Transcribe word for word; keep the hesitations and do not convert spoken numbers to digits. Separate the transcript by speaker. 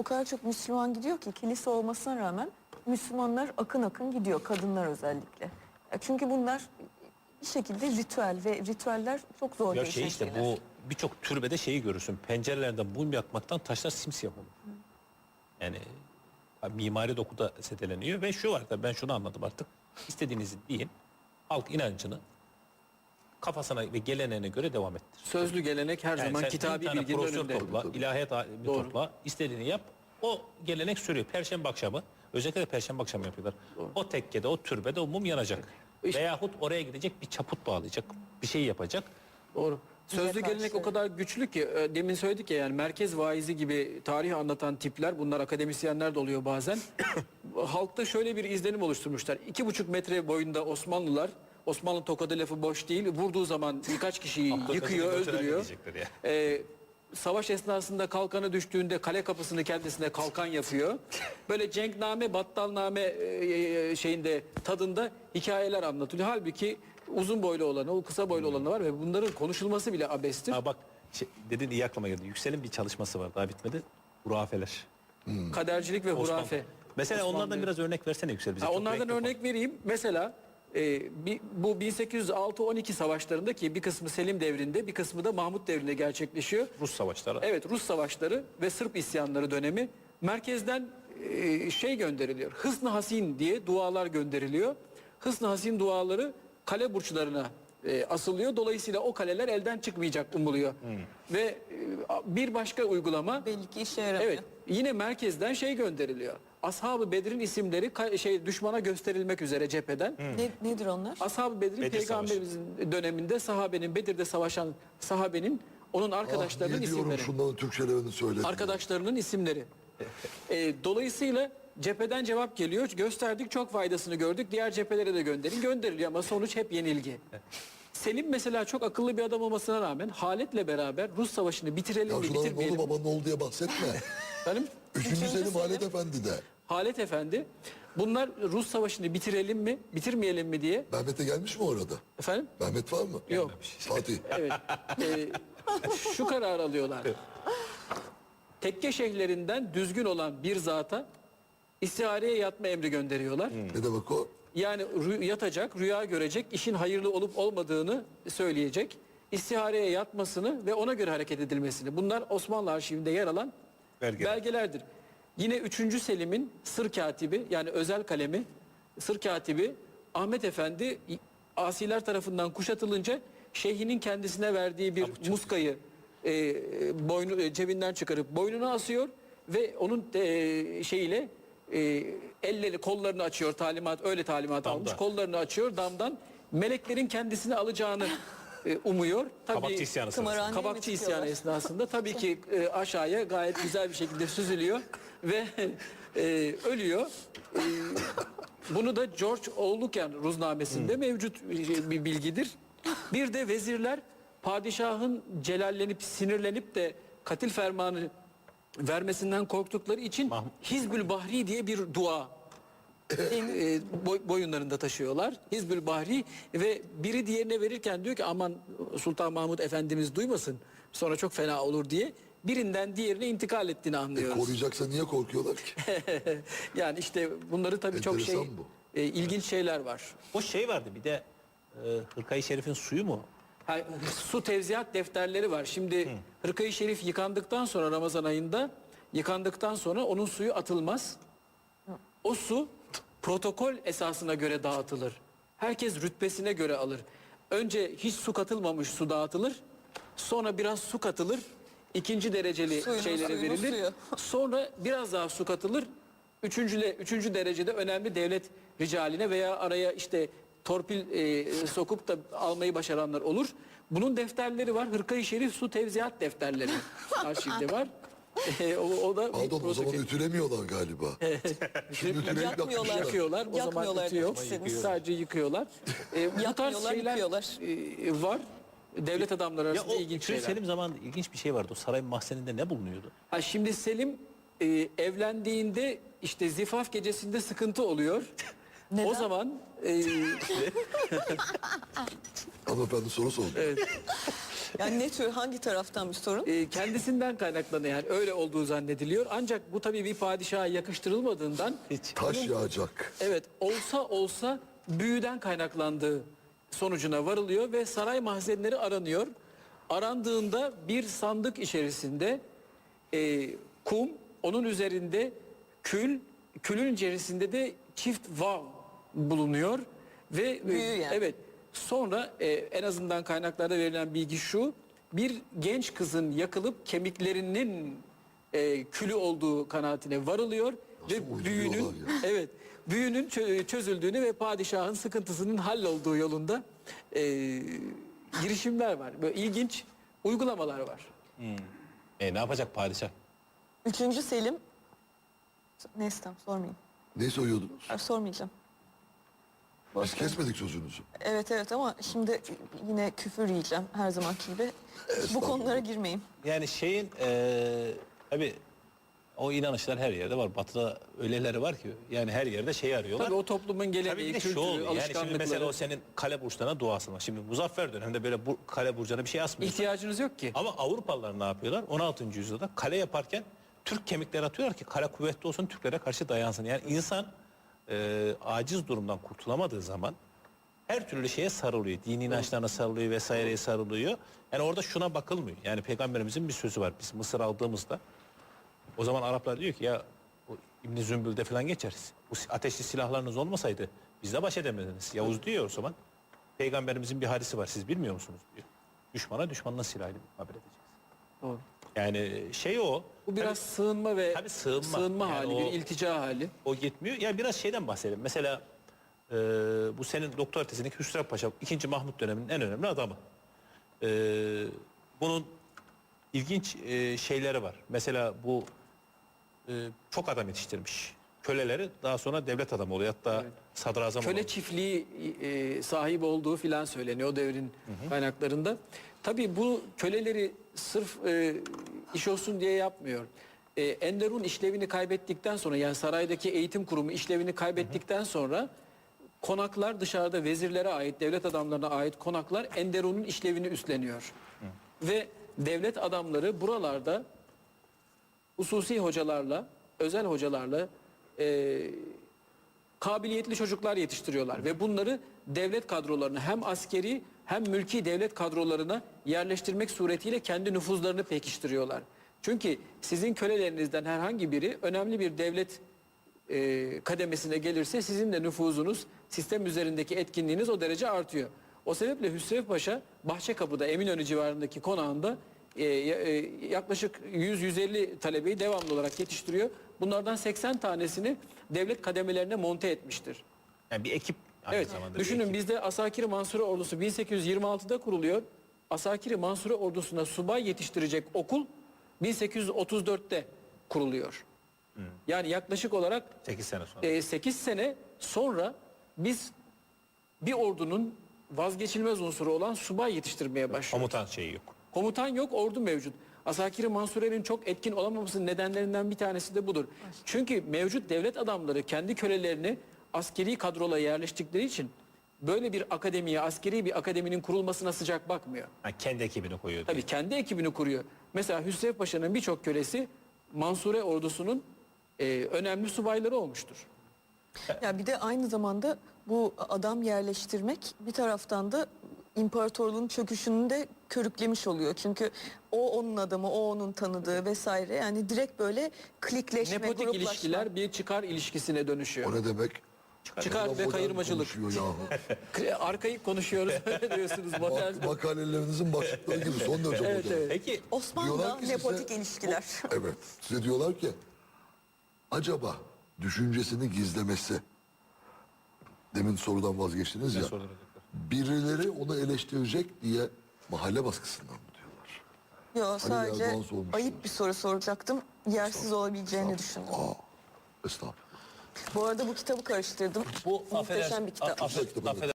Speaker 1: kadar çok Müslüman gidiyor ki kilise olmasına rağmen Müslümanlar akın akın gidiyor, kadınlar özellikle. Çünkü bunlar bir şekilde ritüel ve ritüeller çok zor
Speaker 2: Ya
Speaker 1: değişen
Speaker 2: şey işte
Speaker 1: şeyler.
Speaker 2: bu birçok türbede şeyi görürsün. Pencerelerden mum yakmaktan taşlar simsiyah olur. Yani mimari dokuda seteleniyor ve şu var da ben şunu anladım artık. İstediğinizi deyin. Halk inancını kafasına ve geleneğine göre devam ettir.
Speaker 3: Sözlü gelenek her
Speaker 2: Yani
Speaker 3: zaman
Speaker 2: sen
Speaker 3: kitabi
Speaker 2: bin tane
Speaker 3: bilginin
Speaker 2: profesör
Speaker 3: önünde.
Speaker 2: topla, ilahiyat alimi
Speaker 3: Doğru.
Speaker 2: topla, istediğini yap. O gelenek sürüyor. Perşembe akşamı, özellikle de Perşembe akşamı yapıyorlar.
Speaker 3: Doğru.
Speaker 2: O tekkede, o türbede o mum yanacak.
Speaker 3: İşte-
Speaker 2: Veyahut oraya gidecek bir çaput bağlayacak, bir şey yapacak.
Speaker 3: Doğru. Sözlü
Speaker 1: Bize
Speaker 3: gelenek
Speaker 1: karşı-
Speaker 3: o kadar güçlü ki e, demin söyledik ya, yani merkez vaizi gibi tarih anlatan tipler, bunlar akademisyenler de oluyor bazen. Halkta şöyle bir izlenim oluşturmuşlar. İki buçuk metre boyunda Osmanlılar, Osmanlı tokadı lafı boş değil, vurduğu zaman birkaç kişiyi yıkıyor, öldürüyor. Ee, savaş esnasında kalkanı düştüğünde kale kapısını kendisine kalkan yapıyor. Böyle cenkname, battalname e, şeyinde, tadında hikayeler anlatılıyor. Halbuki uzun boylu olanı, o kısa boylu olanı var ve bunların konuşulması bile abestir.
Speaker 2: Ha bak şey, dedin iyi aklıma geldi. Yüksel'in bir çalışması var daha bitmedi. Hurafeler.
Speaker 3: Kadercilik ve
Speaker 2: Osmanlı.
Speaker 3: hurafe.
Speaker 2: Mesela
Speaker 3: Osmanlı.
Speaker 2: onlardan biraz örnek versene Yüksel bize.
Speaker 3: Ha,
Speaker 2: Çok
Speaker 3: onlardan
Speaker 2: renkli
Speaker 3: örnek vereyim. Mesela e, bi- bu bin sekiz yüz altı on iki savaşlarında, ki bir kısmı Selim devrinde, bir kısmı da Mahmut devrinde gerçekleşiyor.
Speaker 2: Rus savaşları.
Speaker 3: Evet, Rus savaşları ve Sırp isyanları dönemi. Merkezden e, şey gönderiliyor. Hısn-ı Hasin diye dualar gönderiliyor. Hısn-ı Hasin duaları kale burçlarına e, asılıyor. Dolayısıyla o kaleler elden çıkmayacak umuluyor. Ve e, bir başka uygulama,
Speaker 1: Belli ki işe yaramıyor.
Speaker 3: evet, yine merkezden şey gönderiliyor. Ashab-ı Bedir'in isimleri ka- şey düşmana gösterilmek üzere cepheden.
Speaker 1: Ne, nedir onlar?
Speaker 3: Ashab-ı Bedir'in
Speaker 2: Bedir
Speaker 3: peygamberimizin döneminde sahabenin, Bedir'de savaşan sahabenin, onun arkadaşlarının
Speaker 4: ah, niye diyorum
Speaker 3: isimleri.
Speaker 4: şunların Türkçelerini söyle.
Speaker 3: Arkadaşlarının isimleri. E, dolayısıyla cepheden cevap geliyor. Gösterdik, çok faydasını gördük. Diğer cephelere de gönderin. Gönderiliyor ama sonuç hep yenilgi. Selim mesela çok akıllı bir adam olmasına rağmen Halet'le beraber Rus savaşını bitirelim
Speaker 4: Ya
Speaker 3: mi,
Speaker 4: şunların ne
Speaker 3: bitirmeyelim
Speaker 4: oldu
Speaker 3: mi?
Speaker 4: baba ne oldu diye bahsetme.
Speaker 3: Efendim?
Speaker 4: Üçüncü
Speaker 1: Üçüncü
Speaker 4: Selim
Speaker 1: Selim.
Speaker 4: Halet Efendi de.
Speaker 3: Halet Efendi, bunlar Rus savaşını bitirelim mi, bitirmeyelim mi diye.
Speaker 4: Mehmet'e gelmiş mi orada?
Speaker 3: Efendim?
Speaker 4: Mehmet var mı?
Speaker 3: Yok.
Speaker 4: Fatih.
Speaker 3: Evet. E, şu karar alıyorlar. Tekke şeyhlerinden düzgün olan bir zata istihareye yatma emri gönderiyorlar.
Speaker 4: Ne demek o?
Speaker 3: Yani rü- yatacak, rüya görecek, işin hayırlı olup olmadığını söyleyecek. İstihareye yatmasını ve ona göre hareket edilmesini. Bunlar Osmanlı arşivinde yer alan
Speaker 2: Belgeler.
Speaker 3: belgelerdir. Yine üçüncü Selim'in sır katibi, yani özel kalemi, sır katibi Ahmet Efendi asiler tarafından kuşatılınca şeyhinin kendisine verdiği bir muskayı e, boynu e, cebinden çıkarıp boynuna asıyor ve onun e, şeyiyle e, elleri, kollarını açıyor, talimat, öyle talimat
Speaker 2: Damda.
Speaker 3: almış, kollarını açıyor damdan, meleklerin kendisini alacağını e, umuyor.
Speaker 2: Kabakçı isyanı sırasında.
Speaker 1: Kımaran-
Speaker 3: Kabakçı
Speaker 1: mi
Speaker 3: isyanı
Speaker 1: çıkıyorlar?
Speaker 3: esnasında tabii ki e, aşağıya gayet güzel bir şekilde süzülüyor ve e, ölüyor. E, bunu da George Oğluken Ruznamesi'nde mevcut bir bilgidir. Bir de vezirler padişahın celallenip sinirlenip de katil fermanı vermesinden korktukları için
Speaker 2: Mah-
Speaker 3: Hizbül Bahri diye bir dua e, boy- boyunlarında taşıyorlar. Hizbül Bahri, ve biri diğerine verirken diyor ki aman Sultan Mahmut Efendimiz duymasın, sonra çok fena olur diye birinden diğerine intikal ettiğini
Speaker 4: E,
Speaker 3: anlıyoruz.
Speaker 4: koruyacaksa niye korkuyorlar ki?
Speaker 3: Yani işte bunları tabii çok şey
Speaker 4: Enteresan bu.
Speaker 3: e, ilginç şeyler var.
Speaker 2: O şey vardı bir de e, Hırkayı Şerif'in suyu mu?
Speaker 3: Ha, su tevziat defterleri var. Şimdi Hırkayı Şerif yıkandıktan sonra, Ramazan ayında yıkandıktan sonra onun suyu atılmaz. O su protokol esasına göre dağıtılır. Herkes rütbesine göre alır. Önce hiç su katılmamış su dağıtılır. Sonra biraz su katılır. İkinci dereceli
Speaker 1: Suyunun
Speaker 3: şeylere
Speaker 1: suyunun
Speaker 3: verilir.
Speaker 1: suyu.
Speaker 3: Sonra biraz daha su katılır. Üçüncüle, üçüncü derecede önemli devlet ricaline veya araya işte torpil e, sokup da almayı başaranlar olur. Bunun defterleri var. Hırkayı Şerif su tevziat defterleri arşivde var. E, o, o da bir
Speaker 4: Pardon o zaman
Speaker 3: protokol.
Speaker 4: ütülemiyorlar galiba. Şimdi ütüleyip
Speaker 1: Yakmıyorlar.
Speaker 4: yakmışlar.
Speaker 3: Yakıyorlar. O zaman
Speaker 1: Yakmıyorlar
Speaker 3: ütü yok.
Speaker 1: demişsiniz.
Speaker 3: Sadece yıkıyorlar. E, bu tarz
Speaker 1: Yakmıyorlar,
Speaker 3: şeyler
Speaker 1: yıkıyorlar.
Speaker 3: e, var. Devlet adamları
Speaker 2: Ya
Speaker 3: arasında
Speaker 2: o
Speaker 3: ilginç
Speaker 2: Üçüncü
Speaker 3: şeyler.
Speaker 2: Selim zamanında ilginç bir şey vardı. O sarayın mahzeninde ne bulunuyordu?
Speaker 3: Ha, şimdi Selim e, evlendiğinde işte zifaf gecesinde sıkıntı oluyor.
Speaker 1: Neden?
Speaker 3: O zaman e,
Speaker 4: Hanımefendi soru sordu.
Speaker 3: evet.
Speaker 1: Yani ne tür, hangi taraftan bir sorun?
Speaker 3: E, kendisinden kaynaklanıyor, yani öyle olduğu zannediliyor. Ancak bu tabii bir padişaha yakıştırılmadığından
Speaker 2: Hiç.
Speaker 4: Taş yağacak.
Speaker 3: evet olsa olsa büyüden kaynaklandığı sonucuna varılıyor ve saray mahzenleri aranıyor. Arandığında bir sandık içerisinde e, kum, onun üzerinde kül, külün içerisinde de çift vav bulunuyor ve e,
Speaker 1: Büyü yani.
Speaker 3: evet sonra e, en azından kaynaklarda verilen bilgi şu: bir genç kızın yakılıp kemiklerinin e, külü olduğu kanaatine varılıyor ve
Speaker 4: uyduruyorlar
Speaker 3: büyünün
Speaker 4: ya?
Speaker 3: evet büyünün çö- çözüldüğünü ve padişahın sıkıntısının hallolduğu yolunda e, girişimler var. Böyle ilginç uygulamalar var.
Speaker 2: E ne yapacak padişah?
Speaker 1: Üçüncü Selim, neyse tamam sormayayım.
Speaker 4: Ne soyuyordunuz?
Speaker 1: Ay, sormayacağım.
Speaker 4: Biz kesmedik sözünüzü.
Speaker 1: Evet evet ama şimdi yine küfür yiyeceğim her zamanki gibi. Bu konulara girmeyeyim.
Speaker 2: Yani şeyin eee tabii o inanışlar her yerde var. Batı'da öyleleri var ki yani her yerde şey arıyorlar.
Speaker 3: Tabii o toplumun
Speaker 2: Tabii
Speaker 3: geleneği,
Speaker 2: bir de şu
Speaker 3: kültürü,
Speaker 2: oluyor. Yani şimdi
Speaker 3: alışkanlıkları.
Speaker 2: mesela o senin kale burçlarına duasın var. Şimdi Muzaffer döneminde böyle bu kale burcuna bir şey asmıyorsun.
Speaker 3: İhtiyacınız yok ki.
Speaker 2: Ama Avrupalılar ne yapıyorlar? on altıncı yüzyılda kale yaparken Türk kemikleri atıyorlar ki kale kuvvetli olsun, Türklere karşı dayansın. Yani insan e, aciz durumdan kurtulamadığı zaman her türlü şeye sarılıyor. Dini inançlarına sarılıyor vesaireye sarılıyor. Yani orada şuna bakılmıyor. Yani Peygamberimizin bir sözü var. Biz Mısır aldığımızda o zaman Araplar diyor ki ya o İbn Zümbül'de falan geçeriz. Bu ateşli silahlarınız olmasaydı bizle baş edemediniz. Yavuz diyor o zaman. Peygamberimizin bir hadisi var. Siz bilmiyor musunuz diyor. Düşmana düşmanla silahıyla mukabele edeceğiz.
Speaker 3: Doğru.
Speaker 2: Yani şey o.
Speaker 3: Bu biraz sığınma ve
Speaker 2: tabii sığınma.
Speaker 3: sığınma
Speaker 2: Yani
Speaker 3: hali,
Speaker 2: o-
Speaker 3: bir iltica hali.
Speaker 2: O gitmiyor. Ya biraz şeyden bahsedelim. Mesela e, bu senin doktor tezindeki Hüsrev Paşa ikinci Mahmut döneminin en önemli adamı. E, bunun ilginç e, şeyleri var. Mesela bu e, çok adam yetiştirmiş. Köleleri daha sonra devlet adamı oluyor. Hatta
Speaker 3: Evet.
Speaker 2: sadrazam
Speaker 3: Köle
Speaker 2: oluyor.
Speaker 3: çiftliği e, sahip olduğu filan söyleniyor o devrin kaynaklarında. Tabii bu köleleri sırf e, iş olsun diye yapmıyor. E, Enderun işlevini kaybettikten sonra, yani saraydaki eğitim kurumu işlevini kaybettikten sonra konaklar, dışarıda vezirlere ait, devlet adamlarına ait konaklar Enderun'un işlevini üstleniyor. Ve devlet adamları buralarda hususi hocalarla, özel hocalarla e, kabiliyetli çocuklar yetiştiriyorlar ve bunları devlet kadrolarına, hem askeri hem mülki devlet kadrolarına yerleştirmek suretiyle kendi nüfuzlarını pekiştiriyorlar. Çünkü sizin kölelerinizden herhangi biri önemli bir devlet e, kademesine gelirse sizin de nüfuzunuz, sistem üzerindeki etkinliğiniz o derece artıyor. O sebeple Hüsrev Paşa Bahçekapı'da, Eminönü civarındaki konağında e, e, yaklaşık yüz yüz elli talebeyi devamlı olarak yetiştiriyor. Bunlardan seksen tanesini devlet kademelerine monte etmiştir.
Speaker 2: Yani bir ekip. aynı
Speaker 3: Evet,
Speaker 2: zamanda bir
Speaker 3: düşünün
Speaker 2: ekip.
Speaker 3: bizde Asakiri Mansure Ordusu bin sekiz yüz yirmi altıda kuruluyor. Asakiri Mansure Ordusu'na subay yetiştirecek okul bin sekiz yüz otuz dörtte kuruluyor. Yani yaklaşık olarak
Speaker 2: sekiz sene sonra.
Speaker 3: e, sekiz sene sonra biz bir ordunun vazgeçilmez unsuru olan subay yetiştirmeye başlıyoruz.
Speaker 2: Komutan şeyi yok.
Speaker 3: Komutan yok, ordu mevcut. Asakiri Mansure'nin çok etkin olamamasının nedenlerinden bir tanesi de budur. Çünkü mevcut devlet adamları kendi kölelerini askeri kadrola yerleştikleri için böyle bir akademiye, askeri bir akademinin kurulmasına sıcak bakmıyor.
Speaker 2: Ha, kendi ekibini koyuyor. diyor.
Speaker 3: Tabii kendi ekibini kuruyor. Mesela Hüsrev Paşa'nın birçok kölesi Mansure ordusunun e, önemli subayları olmuştur.
Speaker 1: Ya bir de aynı zamanda bu adam yerleştirmek bir taraftan da imparatorluğun çöküşünü de körüklemiş oluyor. Çünkü o onun adamı, o onun tanıdığı vesaire. Yani direkt böyle klikleşme,
Speaker 3: Nepotik
Speaker 1: gruplaşma.
Speaker 3: ilişkiler bir çıkar ilişkisine dönüşüyor.
Speaker 4: O ne demek?
Speaker 3: Çıkar ve
Speaker 4: Modern
Speaker 3: kayırmacılık.
Speaker 4: konuşuyor yahu.
Speaker 3: Arkayı konuşuyoruz öyle diyorsunuz. modern.
Speaker 4: Bak, makalelerinizin başlıkları gibi son derece
Speaker 3: Evet,
Speaker 4: modern.
Speaker 3: evet.
Speaker 2: Peki
Speaker 1: Osmanlı
Speaker 4: Diyorlar ki size-
Speaker 1: nepotik ilişkiler.
Speaker 4: Evet. Size diyorlar ki acaba düşüncesini gizlemesi, demin sorudan vazgeçtiniz ya,
Speaker 2: soruları
Speaker 4: birileri onu eleştirecek diye mahalle baskısından mı diyorlar?
Speaker 1: Yok sadece
Speaker 4: Erdoğan sormuştu.
Speaker 1: ayıp bir soru soracaktım. Yersiz olabileceğini düşündüm.
Speaker 4: Aa, estağfurullah.
Speaker 1: Bu arada bu kitabı karıştırdım.
Speaker 2: bu
Speaker 1: Muhteşem bir kitap.
Speaker 2: affedersin, affedersin,